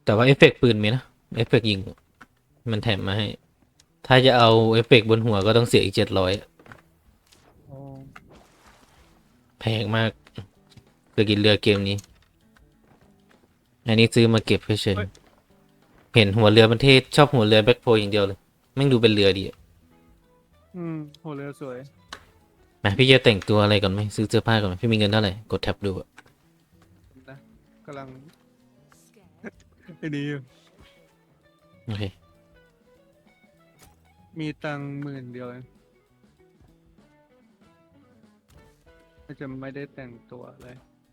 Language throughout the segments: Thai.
แต่ว่าเอฟเฟกต์ปืนมีนะเอฟเฟกต์ยิงมันแถมมาให้ถ้าจะเอาเอฟเฟกต์บนหัวก็ต้องเสียอีก700 อ๋อแพงมากคือกินเรือเกมนี้อันนี้ซื้อมาเก็บเฉยเฮ้ยๆเห็นหัวเรือมันเทศชอบหัวเรือแบ็คโพอย่างเดียวเลยแม่งดูเป็นเรือดีอะโหเรือสวยนะพี่จะแต่งตัวอะไรก่อนไหมซื้อเสื้อผ้าก่อนไหมพี่มีเงินเท่าไหร่กดแท็บดูอะนะกำลังไอ้นี่อยู่โอเคมีตังค์10,000เดียวเองก็จะไม่ได้แต่งตัวเลย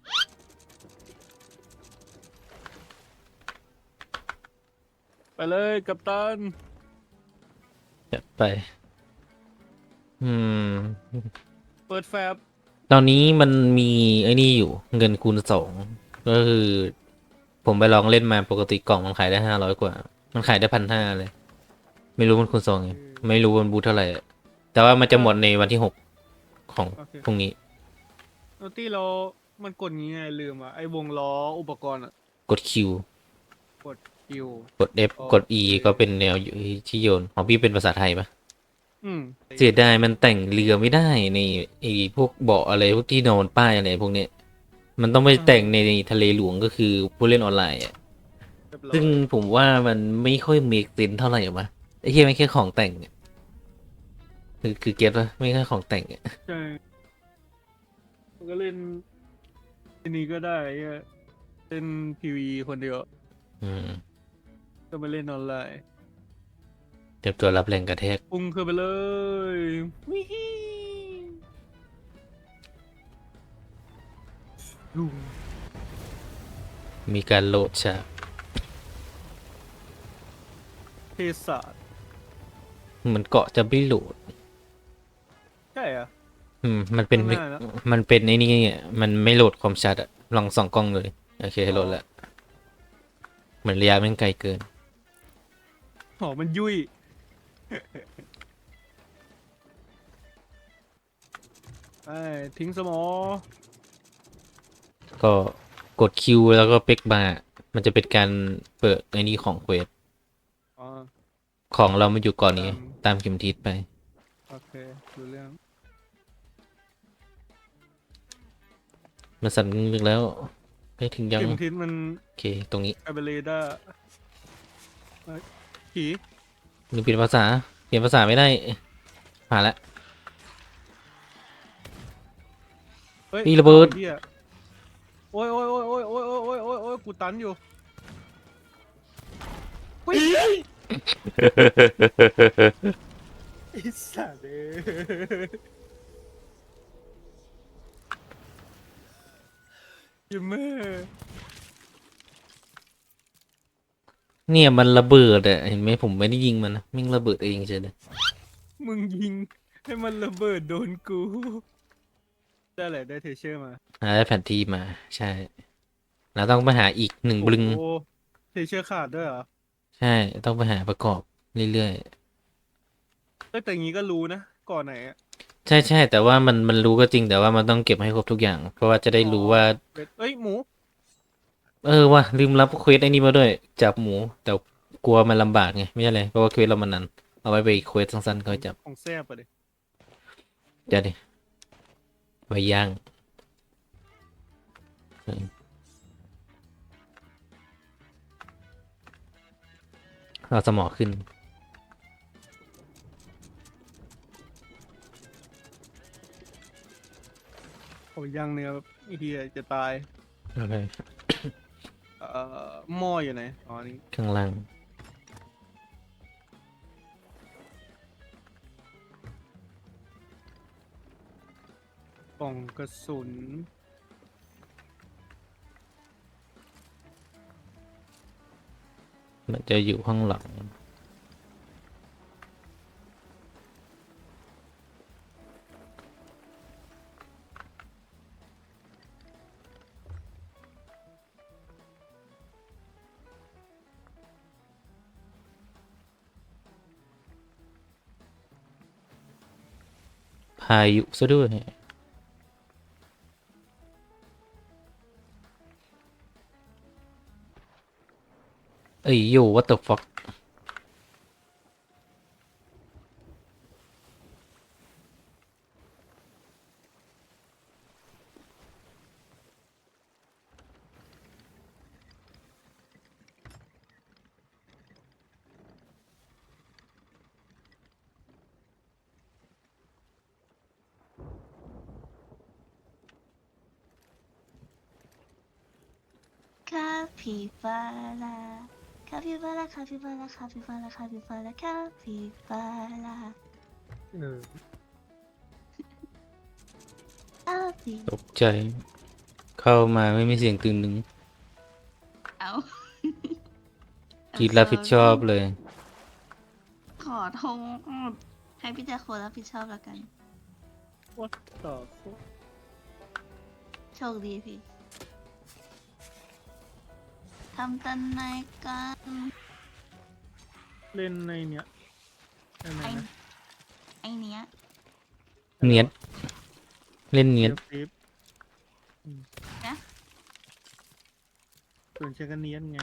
ไปเลยกัปตันจัดไปอืมเปิดแฟบตอนนี้มันมีไอ้นี่อยู่เงินคูณ 2ก็คือผมไปลองเล่นมาปกติกล่องมันขายได้500 กว่ามันขายได้1,500เลยไม่รู้มันคูณ 2ไงไม่รู้มันบูทเท่าไหร่อะแต่ว่ามันจะหมดในวันที่6ของโอเคพรุ่งนี้โนตี้เรามันกดงี้ไงลืมอ่ะไอ้วงล้ออุปกรณ์อ่ะกด Q กดคิวกด F โอกด E เคก็เป็นแนวที่โยนของพี่เป็นภาษาไทยปะอืมเสียดายมันแต่งเรือไม่ได้ในไอ้พวกเบาะอะไรพวกที่นอนป้ายอะไรพวกเนี้ยมันต้องไปแต่งในทะเลหลวงก็คือผู้เล่นออนไลน์อะเรียบร้ซึ่งอยผมว่ามันไม่ค่อยมีเซนเท่าไหร่วะไอ้เหี้ยไม่แค่ของแต่งเนี่ยคือเก็ตวะไม่แค่ของแต่งเนี่ยใช่มันก็เล่นทีนี้ก็ได้ไอ้เหี้ยเล่นพีวีคนเดียวอืมก็ไปเล่นออนไลน์เตรียมตัวรับแรงกระแทกพุ่งขึ้นไปเลยวิฮีลุงมีการโหลดฉากเทศาสตร์เหมือนเกาะจะไม่โหลดใช่เหรอะมันเป็นข้างหน้าแล้วมันเป็นไอ้นี่อะมันไม่โหลดความชัดอะลองส่องกล้องเลยโอเคอ๋อโหลดแล้วเหมือนระยะแม่งไกลเกินอ๋อมันยุ่ยไอ้ทิ้งสมอก็กดคิวแล้วก็เป็กบาร์มันจะเป็นการเปิดไอ้นี่ของเควสอ๋อของเรามาอยู่ก่อนนี้ตามตามเข็มทิศไปโอเคดูเรื่องมันสั่นงึกแล้วไปถึงยังเข็มทิศมันโอเคตรงนี้คาเบเรดาผีหรือเปลี่ยนภาษาเปลี่ยนภาษาไม่ได้ผ่านละเฮ้ยปีระเบิดไอ้เหี้ยโอ้ยโอ้ยโอ้ยโอ้ยโอ้ยโอ้ยโอ้ยโอ้ยกูตันอยู่เฮ้ยไอ้สัตว์เอ้ยยิมเมอร์เนี่ยมันระเบิดอะเห็นไหมผมไม่ได้ยิงมันนะมิ่งระเบิดเองเฉยเลยมึงยิงให้มันระเบิดโดนกูได้แหละได้เทเชอร์มาได้แผนที่มาใช่แล้วต้องไปหาอีก1 บลึงโอ้โหเทเชอร์ขาดด้วยเหรอใช่ต้องไปหาประกอบเรื่อยเอ้ยแต่อย่างงี้ก็รู้นะก่อนไหนอะๆใช่แต่ว่ามันรู้ก็จริงแต่ว่ามันต้องเก็บให้ครบทุกอย่างเพราะว่าจะได้อ๋อรู้ว่าเบ็ดเอ้ยหมูว่ะลืมรับเควสไอ้นี่มาด้วยจับหมูแต่กลัวมันลำบากไงไม่ใช่เลยเพราะว่าเควสเรามันนานเอาไว้ไปเควสสั้นๆค่อยจับของแซ่บอะดิเดี๋ยวดิไว้ย่างเอาสมอขึ้นโอ้ย่างเนื้อแบบไอ้เหี้ยจะตายโอเคเอ่หม้ออยู่ไหนอ๋อนี่ข้างล่างกล่องกระสุนมันจะอยู่ข้างหลังพายุซะด้วยเอ้ยโย่ what the fuck คาปิบาร่าคาปิบาร่าคาปิบาร่าคาปิบาร่าคาปิบาร่าคาปิบาร่าเออคาปิตกใจ เข้ามาไม่มีเสียงตึงหนึ่งเอากรีดรับผิดชอบเลยขอโทษให้พี่แจ๊คโครับผิดชอบแล้วกัน what the fuck โชคดีพี่ทำตันในกันเล่นในเนี้ยอะไรไอนะไอเนี้ยเนียดเล่นเนียดเซฟส่วนฉันก็เนียนไง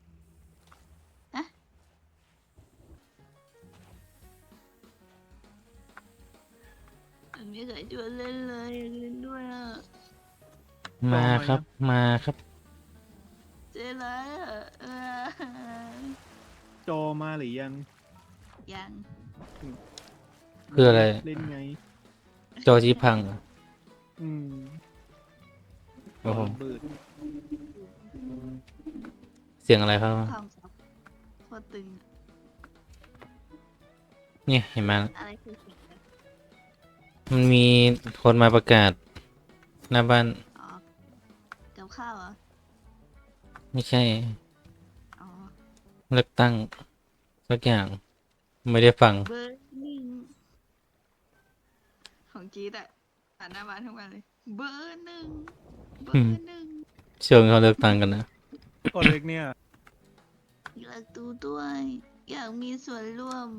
มันไม่เคยชวนเล่นเลยอยากเล่นด้วยอ่ะมาครับ มาครับเจ๊ร้ายอ่ะจอมาหรือยังยังคืออะไรเล่นไงจอจีพังเหรออืมโอ้โหเบิดเสียงอะไรครับความซับโคตรตึงเนี่ยเห็นไหมอะไรคือเสียงนะมันมีคนมาประกาศ หน้าบ้านอ๋อกับข้าวเหรอไม่ใช่อ๋อเลือกตั้งสักอย่าง ไม่ได้ฟังเบอร์หนึ่งของจี๊ดอะผ่านหน้าบ้านทุกวันเลย เบอร์หนึ่งเบอร์หนึ่งเชิงเขาเลือกตั้งกันนะกดเล็กเนี่ยอยากดูด้วย อยากมีส่วนร่วม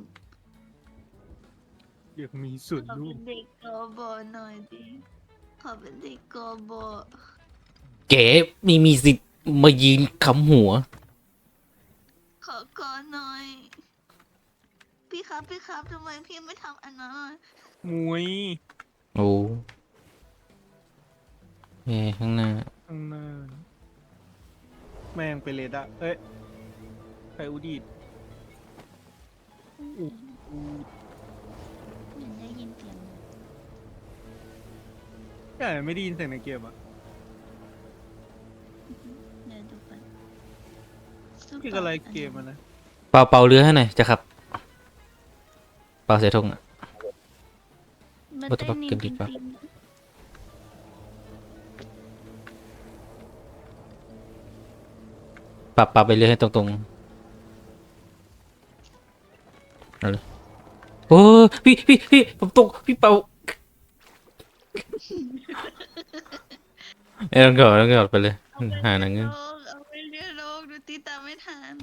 อยากมีส่วนขอร่วเป็มนเด็กกบหน่อยดิขอเป็นเด็กกบเก๋มีสิทธิ์มายืนคำหัวขอก่อนหน่อย พี่ครับทำไมพี่ไม่ทำอันนั้นอะมวยโอ้เอ้ข้างหน้าข้างหน้า แม่งไปเลยอะเอ้ยใครอุดีดอูอูยังได้ยินเสียงแต่ไม่ได้ยินเสียงในเกมอ่ะเดี๋ยวดูไปพี่ก็ไลค์เกมอ่ะนะเป่าเรือให้หน่อยจะขับ เป่าเสียทงอ่ะมันว่าแต่เต้ว่านนิ่เกิมนจผิริดงปะ ปรับไปเรื่อยให้ตรงๆเอาเลยโอ้พี่ผมตกพี่เป่าเอ้ยต้องกอดไปเลยๆหาหนังเงือกเอาไปเรียนโลกดูตีตามไม่ทัน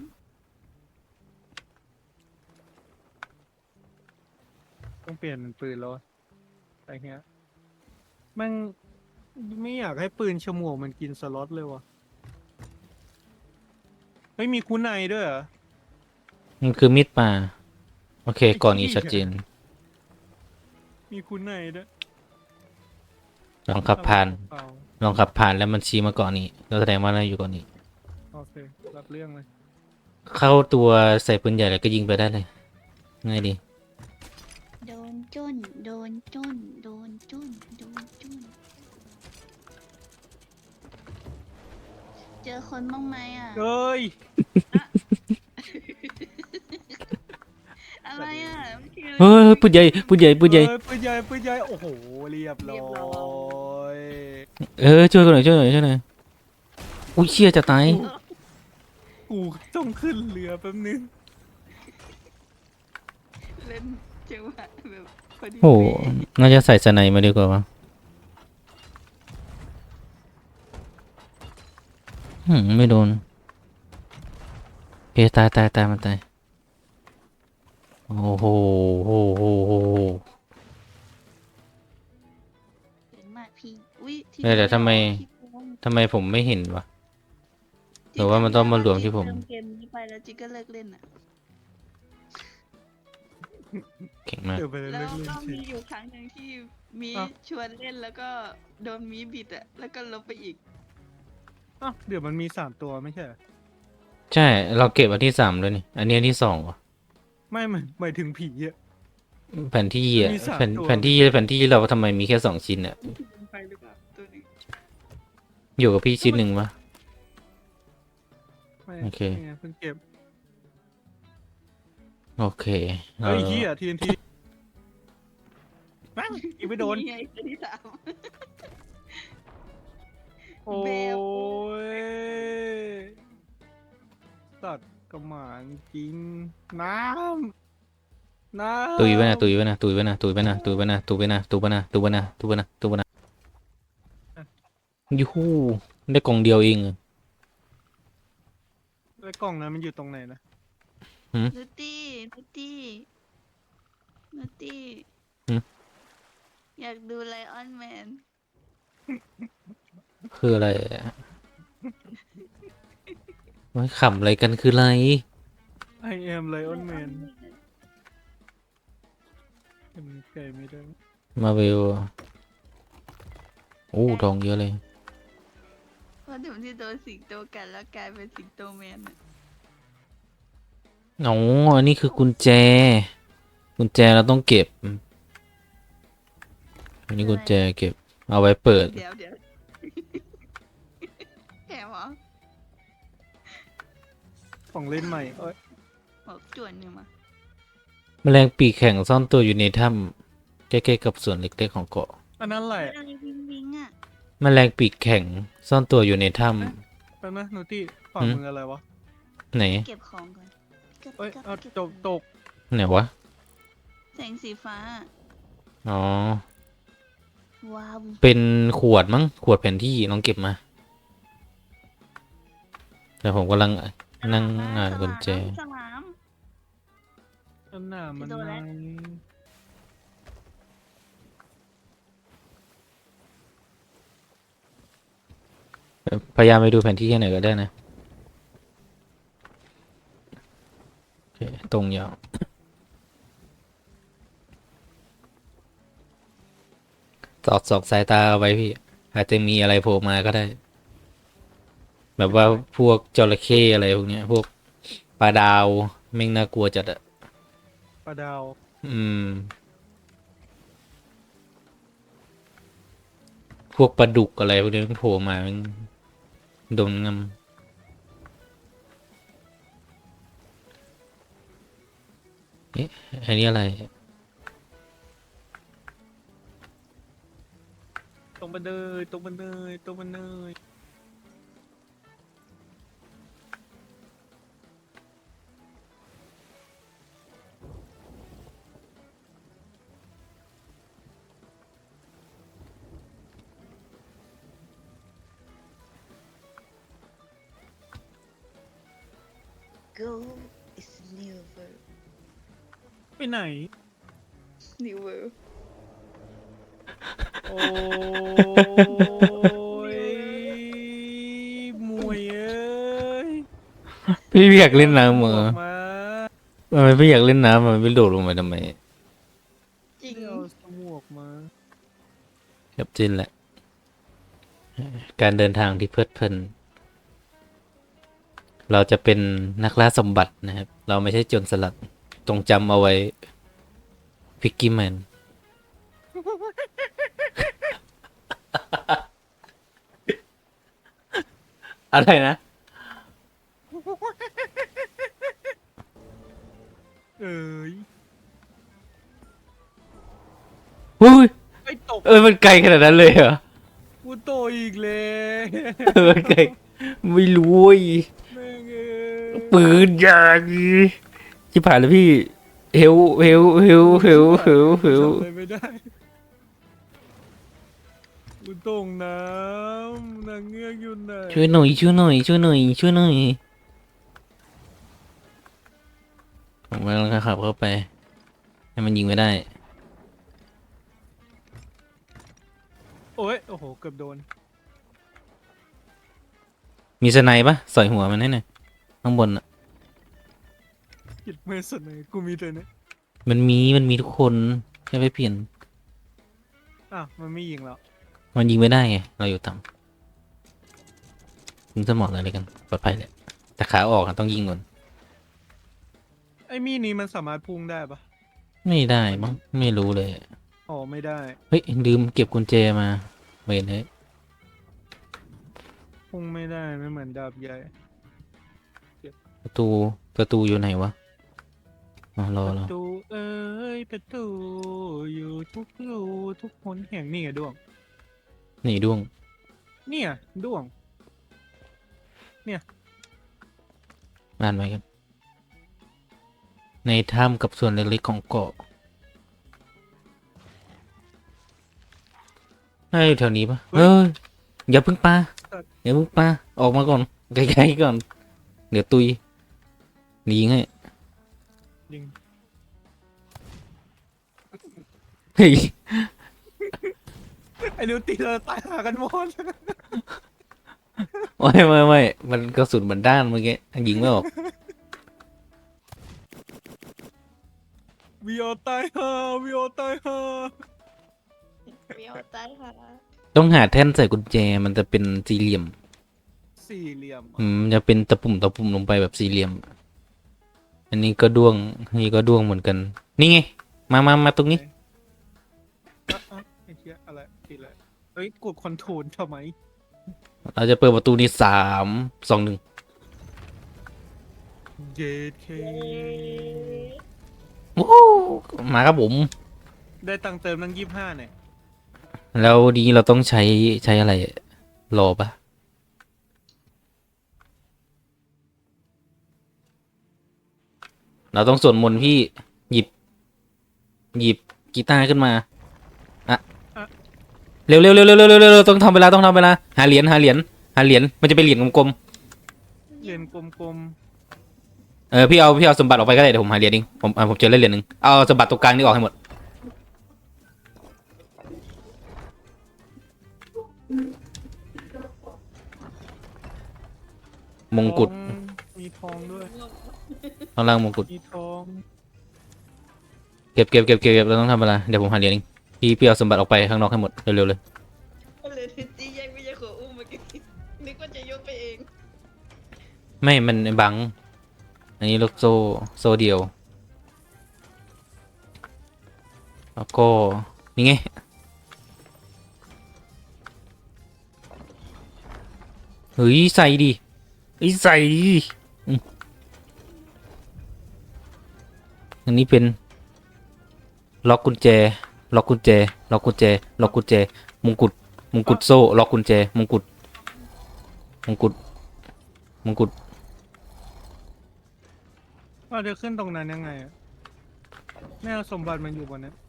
ต้องเปลี่ยนเป็นปืนแล้วอะอะไรเงี้ยแม่งไม่อยากให้ปืนฉมวกมันกินสล็อตเลยวะเฮ้ยมีคุณในด้วยเหรอมันคือมีดป่าโอเคก่อนนี้ชัดเจนมีคุณในด้วยลองขับผ่านเปล่าลองขับผ่านแล้วมันชี้มาก่อนนี้เราแสดงว่าเราอยู่ก่อนนี้โอเครับเรื่องเลยเข้าตัวใส่ปืนใหญ่แล้วก็ยิงไปได้เลยง่ายดีโดนจุ้นโดนจุ้นโดนจุ้นโดนจุ้นเจอคนบ้างไหมอ่ะเฮ้ยอะไรอ่ะไม่คิดเฮ้ยปืนใหญ่เฮ้ยปืนใหญ่ปืนใหญ่โอ้โหเรียบร้อยช่วยกันหน่อยอุ้ยเชี่ยจะตายกูต้องขึ้นเรือแป๊บนึงเล่นจังหวะแบบพอดีโอ้โหเป๊ะน่าจะใส่สไนมาดีกว่าวะไม่โดนเอยตายมันตายโอ้โหเห็นมากพี่อุ้ยที่เดี๋ยวทำไมที่โกงทำไมผมไม่เห็นวะที่หรือว่ามันต้องมารวมที่ผมเติมเกมนี้ไปแล้วจิกก็เลิกเล่นอ่ะเก่งมากเดี๋ยวไปแล้เลิวกเล่นก็เฉมียอยู่ครั้งหนึ่งที่มีอ้าวชวนเล่นแล้วก็โดนมีบิดอ่ะ แล้วก็ลบไปอีกอ้าวเดี๋ยวมันมี3 ตัวไม่ใช่เหรอใช่เราเก็บอันที่3เลยนี่อันนี้อันที่2ว่ะไม่หมายถึงผีอะแผนที่มันอ่ะมี3 ตัวแผนที่เราทำไมมีแค่2 ชิ้นอ่ะไปหรือเปล่าตัวหนึงอยู่กับพี่ชิ้นหนึ่งปะไม่โอเคนี่ไงเพิ่งเก็บโอเคเฮ้ยเฮีย TNT แม่งยิงไม่โดนไงตัวที่สามโอ้เบลยตัดกระหม่อมจริง น้ำตุยไปนะตุยไปนะตุยไปนะตุยไปนะตุยไปนะตุยไปนะตุยไปนะตุยไปนะตุยไปนะตุยไปนะยูฮูได้กล่องเดียวเองอะแล้วกล่องนั้นมันอยู่ตรงไหนนะนุตตี้นุตตี้นุตตี้ อยากดูไลออนแมนคืออะไรอะไม่ขำอะไรกันคืออะไร I am Lion Man เป็นไก่ไม่ได้มาเวลโอ้ทองเยอะเลยเพราะถึงที่โดนสิงโตกัดแล้วกลายเป็นสิงโตแมนอะอ๋ออันนี้คือกุญแจ กุญแจเราต้องเก็บ อันนี้กุญแจเก็บ เอาไว้เปิดเดี๋ยวแถมเหรอของเล่นใหม่ เอ้ยบอกจวนหนึ่งมาแมลงปีกแข็งซ่อนตัวอยู่ในถ้ำใกล้ๆกับส่วนเล็กๆของเกาะอันนั้นแหละอะไรวิงวิงอ่ะแมลงปีกแข็งซ่อนตัวอยู่ในถ้แป๊บนะนูตี้ฝ่ามืออะไรวะำไหนเก็บของก่อนก็เอ้ยก็เอาเก็บตกไหนวะแสงสีฟ้าอ๋อว้าวเป็นขวดมั้ง ขวดแผนที่ลองเก็บมา แต่ผมกำลังนั่งอ่านกุญแจสลามอันหน้ามันโดนแล้วในพยายามไปดูแผนที่แค่ไหนก็ได้นะ โอเค ตรงยาว สอดสายตาเอาไว้พี่ อาจจะมีอะไรโผล่มาก็ได้ แบบว่าพวกจระเข้อะไรพวกเนี้ย พวกปลาดาวแม่งน่ากลัวจัดอะปลาดาวอืม พวกปลาดุกอะไรพวกนี้มันโผล่มามันโดนงำเอ๊ะ อันนี้อะไรตรงบันเดยตรงบันเดยตรงบันเดย go is new world ไปไหน new world โอ้ยมวยเอ้ยพี่อยากเล่นน้ำเหรอมาทำไมพี่อยากเล่นน้ำมันไม่โดดลงไปทำไมจริงเดี๋ยวสมวกมาครับจินแหละ การเดินทางที่เพลิดเพลิน เราจะเป็นนักล่าสมบัตินะครับ เราไม่ใช่โจรสลัดจงจำเอาไว้พิกกี้แมน อะไรนะเอ้ยอุ้ยไอ้ตกมันไกลขนาดนั้นเลยเหรอกูโตอีกเลยมันไกลไม่รู้เว้ยแม่งเอ้ยปืนยางชิบหายแล้วพี่เฮลเฮลเฮลเฮลเฮลเฮลทำอะไรไม่ได้กูตกน้ำนางเงือกอยู่ไหนช่วยหน่อยช่วยหน่อยช่วยหน่อยช่วยหน่อยผมกำลังขับเข้าไป ให้มันยิงไม่ได้โอ้ยโอ้โหเกือบโดนมีสไนปะสอยหัวมันให้หน่อยข้างบนอ่ะคิดไม่สนเลยกูมีตัวเนี้ยมันมีทุกคนแค่ไปเปลี่ยนอ่ะมันไม่ยิงแล้วมันยิงไม่ได้ไงเราอยู่ต่ำยิงสมองอะไรกันปลอดภัยแหละแต่ขาออกอะต้องยิงก่อนไอ้มีดนี้มันสามารถพุ่งได้ปะไม่ได้มั้งไม่รู้เลยอ๋อไม่ได้เฮ้ยลืมเก็บกุญแจมาเวนเฮ้ยพุ่งไม่ได้ไม่เหมือนดาบใหญ่ประตูประตูอยู่ไหนวะอ๋อรอประรอตูเอ้ยประตูอยู่ทุกรูทุกคนแห่งนี่ไงด้วงหนีด้วงเนี่ยด้วงอ่านไว้กันในถ้ำกับส่วนเล็กๆของเกาะเฮ้ยแถวนี้ปะเฮ้ยอย่าเพิ่งปาอย่าเพิ่งปาออกมาก่อนไกลๆก่อน เดี๋ยวตุยหนียิงให้ยิงเฮ้ยไอ้นิวตีเราตายหากันหมดไม่มันกระสุนมันด้านเมื่อกี้ยิงไม่ออกวิโอตายฮาวิโอตายฮาเมียวตายค่ะต้องหาแท่นใส่กุญแจมันจะเป็นสี่เหลี่ยมสี่เหลี่ยมมันจะเป็นตะปุ่มลงไปแบบสี่เหลี่ยม อันนี้ก็ด้วงอันนี้ก็ด้วงเหมือนกัน นี่ไงมาตรงนี้อ่ะไอ้เชี่ยอะไรตีอะไรเอ้ยกดคอนโทรลทำไมเราจะเปิดประตูนี้3 2 1 เจเคโอ้มาครับผมได้ตังค์เติมตั้ง25เนี่ยแล้วนี้เราต้องใช้อะไรรอปะเราต้องสวดมนต์พี่หยิบกีตาร์ขึ้นมาอะเร็วต้องทำเวลาหาเหรียญมันจะเป็นเหรียญกลมเหรียญกลมๆพี่เอาสมบัติออกไปก็ได้เดี๋ยวผมหาเหรียญเองผมเจอเหรียญหนึ่งเอาสมบัติตรงกลางนี่ออกให้หมดมๆงกุฎทองมีทองด้วยข้างล่างมงกุฎมีทองเก็บเราต้องทำเวลาเดี๋ยวผมหาเหรียญเองพี่เอาสมบัติออกไปข้างนอกให้หมดเร็วๆเลยเลยทิจี้แยกไม่ใช่ขออุ้มเมื่อกี้นึกว่าจะยกไปเองไม่มันบังอันนี้ลูกโซ่เดียวแล้วก็นี่ไงเฮ้ยใส่ดิใส่ดิอันนี้เป็นล็อกกุญแจมงกุฎโซ่ล็อกกุญแจมงกุฎเราจะขึ้นตรงนั้นยังไงอะแม่เอาสมบัติมันอยู่บนนั้น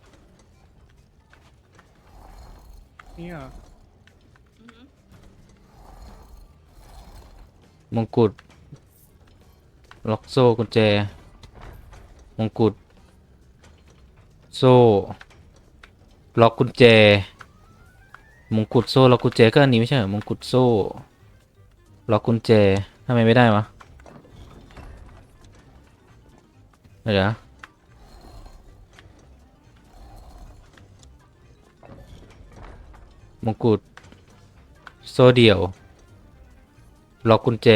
นี่เหรอมงกุฎล็อกโซ่กุญแจมงกุฎโซ่ล็อกกุญแจมงกุฎโซ่ล็อกกุญแจก็อันนี้ไม่ใช่เหรอมงกุฎโซ่ล็อกกุญแจทำไมไม่ได้วะเดี๋ยวมงกุฎโซ่เดี่ยวล็อกกุญแจ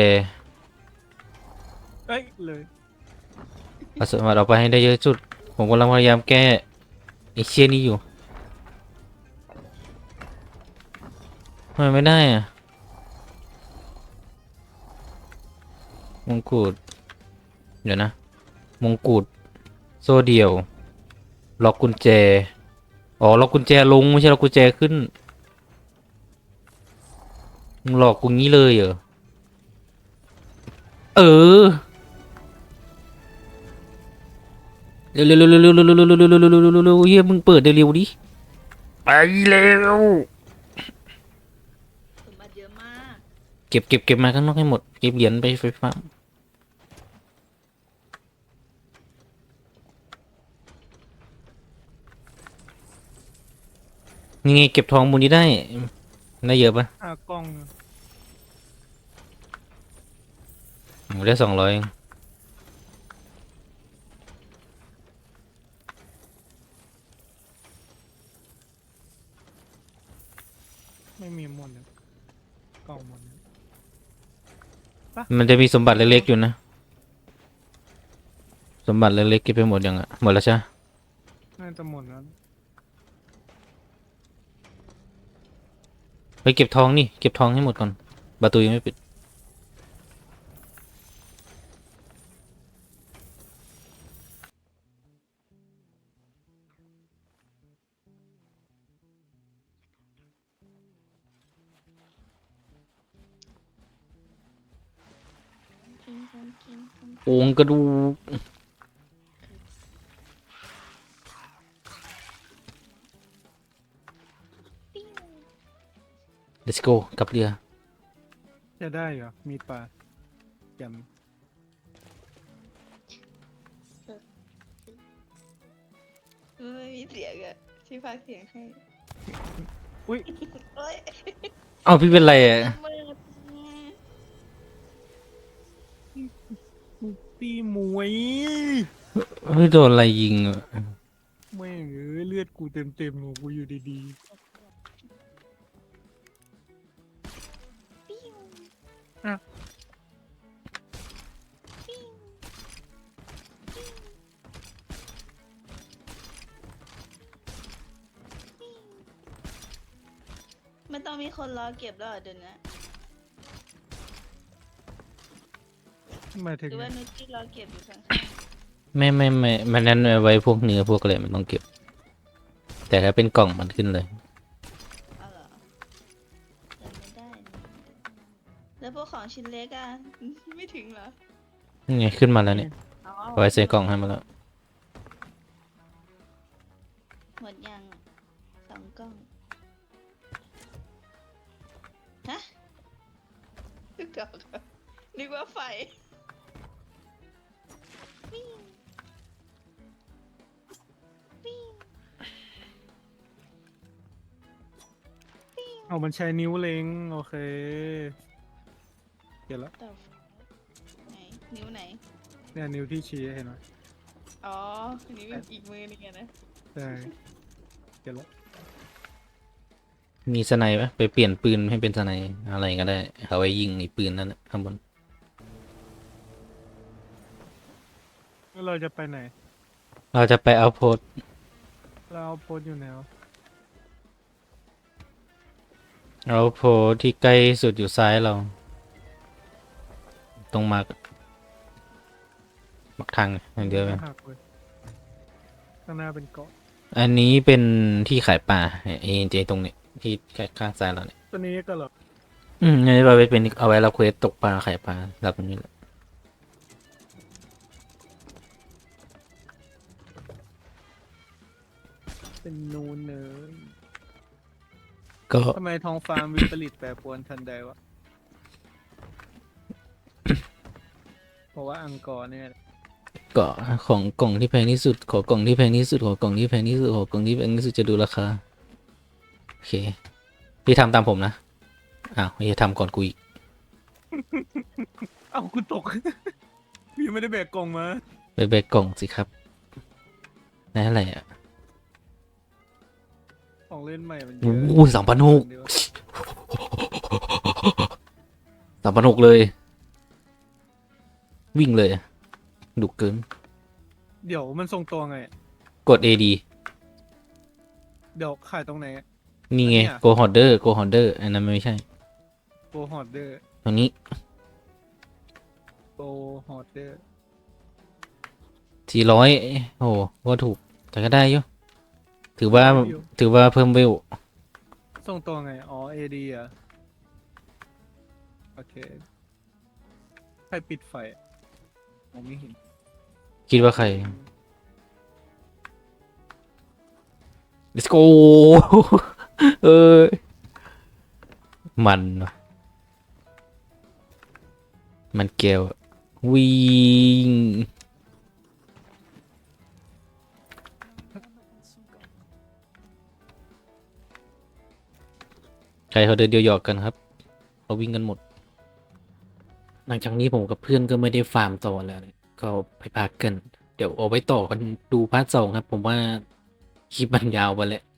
เอ้ยเลยเอาสมบัติออกไปให้ได้เยอะที่สุดผมกำลังพยายามแก้ไอ้เชี่ยนี้อยู่ทำไมไม่ได้อะมงกุฎเดี๋ยวนะมงกุฎโซ่เดี่ยวล็อกกุญแจอ๋อล็อกกุญแจลงไม่ใช่ล็อกกุญแจขึ้นมึงหลอกกูงี้เลยเหรอเออเร็วเฮียมึงเปิดเร็วดิไปเร็วสมบัติเยอะมากเก็บมาข้างนอกให้หมดเก็บเหรียญไปไฟฟ้านี่ไงเก็บทองมูลนี้ได้เยอะปะหากล้องผมได้200 ไม่มีหมดเลยกล่องหมดเลยมันจะมีสมบัติเล็กๆอยู่นะ สมบัติเล็กๆเก็บไปหมดยังอ่ะ หมดแล้วใช่ไหมน่าจะหมดแล้วไปเก็บทองนี่ เก็บทองให้หมดก่อน ประตูยังไม่ปิดกินกินกินกินโอ่งกระดูกปิ้ง let's go กลับเรือจะได้เหรอมีปลาแจ่มมันไม่มีเสียงอะที่พากย์เสียงให้อุ้ยโอ้ยเอ้าพี่เป็นไรอ่ะมือตีหมวยเฮ้ยโดนอะไรยิงอ่ะแม่งเอ้ยเลือดกูเต็มของกูอยู่ดีปิ้งๆอ่ะปิ้งมันต้องมีคนรอเก็บแล้วเหรอเดี๋ยวนะหมายถึหงรือว่านุชที่รอเก็บอยู่ข้างไม่มันนั้นเอาไว้พวกเนื้อพวกอะไรมันต้องเก็บ แต่ถ้าเป็นกล่องมันขึ้นเลยๆเอาเหรอจำไม่ได้นี่แล้วพวกของชิ้นเล็กอะไม่ถึงเหรอนี่ไงขึ้นมาแล้วเนี่ยอ๋อเอาไว้ใส่กล่องให้มาแล้วหมดยังอะ2 กล้องฮะทุกดอกอะนึกว่าไฟปิ้งปิ้งเอามันใช้นิ้วเล็งโอเคเก็บแล้วต่อไหนนิ้วไหนเนี่ยนิ้วที่ชี้เห็นไหมอ๋อ นิ้วอีกมือนึงอะนะใช่เก็บแล้วมีสไนป์ปะไปเปลี่ยนปืนให้เป็นสไนป์อะไรก็ได้ เอาไว้ยิงไอ้ปืนนั่นน่ะข้างบนแล้วเราจะไปไหนเราจะไปเอาโพสเราเอาโพสต์อยู่ไหนวะเอาโพสที่ใกล้สุดอยู่ซ้ายเรา ตรงมาร์กทางอย่างเดียวเลยหักเลยข้างหน้าเป็นเกาะอันนี้เป็นที่ขายปลาเอเจตรงนี้ที่ข้างซ้ายเราเนี่ยตัวนี้ก็เหรออันนี้เอาไว้เป็นเอาไว้เราเควสตกปลาขายปลารับตรงนี้แหละเป็นนูนเนยก็ทำไมท้องฟ้าวิปริตแปรปรวนทันใดวะ เพราะว่าอังกอร์เนี่ยก็ของกล่องที่แพงที่สุดขอกล่องที่แพงที่สุดขอกล่องที่แพงที่สุดขอกล่องที่แพงที่สุดจะดูราคาโอเคพี่ทำตามผมนะอ้าวไม่ทำก่อนกูอีกเอ้าคุณตก พี่ไม่ได้แบกกล่องมาไปแบกกล่องสิครับนั่นอะไรอ่ะของเล่นใหม่มันเยโอ้อะโห3,600 3,600เลย วิ่งเลยอะดุเกินเดี๋ยวมันส่งตัวไงกด AD เดี๋ยวขายตรงไหนนี่ไงอันเนี้ย Go Hoarder Go Hoarder อันนั้นไม่ใช่โกฮอดเดอร์ตรงนี้โกฮอดเดอร์ 400โอ้โหก็ถูกแต่ก็ได้อยู่ถือว่าเพิ่มเวลส่งตัวไง อ๋อ AD อ่ะ โอเค ใครปิดไฟอะมองไม่เห็นคิดว่าใคร let's go เออมันว่ะมันเกลียววิ่งใครเขาเดินเดียวหยอกกันครับเขาวิ่งกันหมดหลังจากนี้ผมกับเพื่อนก็ไม่ได้ฟาร์มต่อแล้วเนี่ยก็ไปพักกัน เดี๋ยวเอาไว้ต่อกันดูพาร์ท 2ครับ ผมว่าคลิปมันยาวไปแล้ว